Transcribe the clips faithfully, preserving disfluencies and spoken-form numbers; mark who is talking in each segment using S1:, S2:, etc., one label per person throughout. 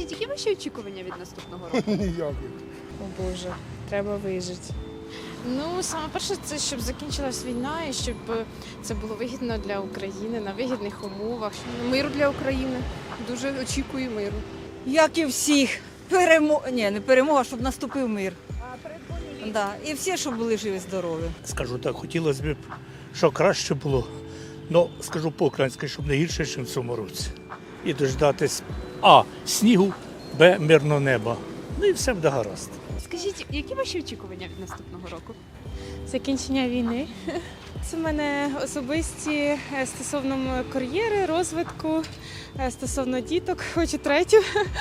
S1: Скажіть, які ваші очікування від наступного року?
S2: Ніяких.
S3: О Боже, треба вижити.
S4: Ну, саме перше, це щоб закінчилась війна і щоб це було вигідно для України на вигідних умовах.
S1: Миру для України. Дуже очікую миру.
S5: Як і всіх. Перемога, ні, не перемога, щоб наступив мир. Да. І всі, щоб були живі, здорові.
S2: Скажу так, хотілося б, щоб краще було. Ну, скажу по-українськи, щоб не гірше, ніж в цьому році. І дождатись А. Снігу, Б. Мирного неба. Ну і все буде гаразд.
S1: Скажіть, які ваші очікування від наступного року?
S3: Закінчення війни. Це в мене особисті е, стосовно кар'єри, розвитку, е, стосовно діток, хочу третю.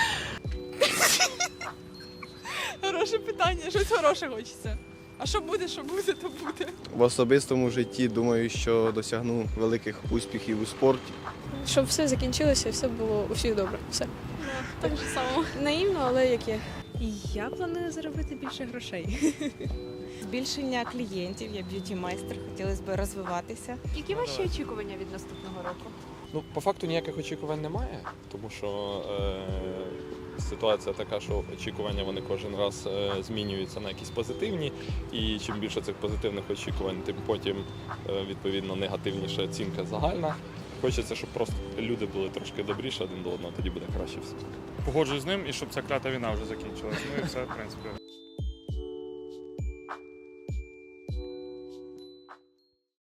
S6: Хороше питання, щось хороше хочеться. А що буде, що буде, то буде.
S7: В особистому житті думаю, що досягну великих успіхів у спорті.
S3: Щоб все закінчилося і все було у всіх добре. Все.
S6: Так же само.
S3: Наївно, але як є.
S8: Я планую заробити більше грошей. Збільшення клієнтів, я б'юті-майстер, хотілося б розвиватися.
S1: Які ваші очікування від наступного року?
S9: Ну, по факту ніяких очікувань немає, тому що е, ситуація така, що очікування вони кожен раз е, змінюються на якісь позитивні, і чим більше цих позитивних очікувань, тим потім е, відповідно негативніша оцінка загальна. Хочеться, щоб просто люди були трошки добріші один до одного, тоді буде краще все.
S10: Погоджуюсь з ним і щоб ця клята війна вже закінчилась. Ну і все, в принципі.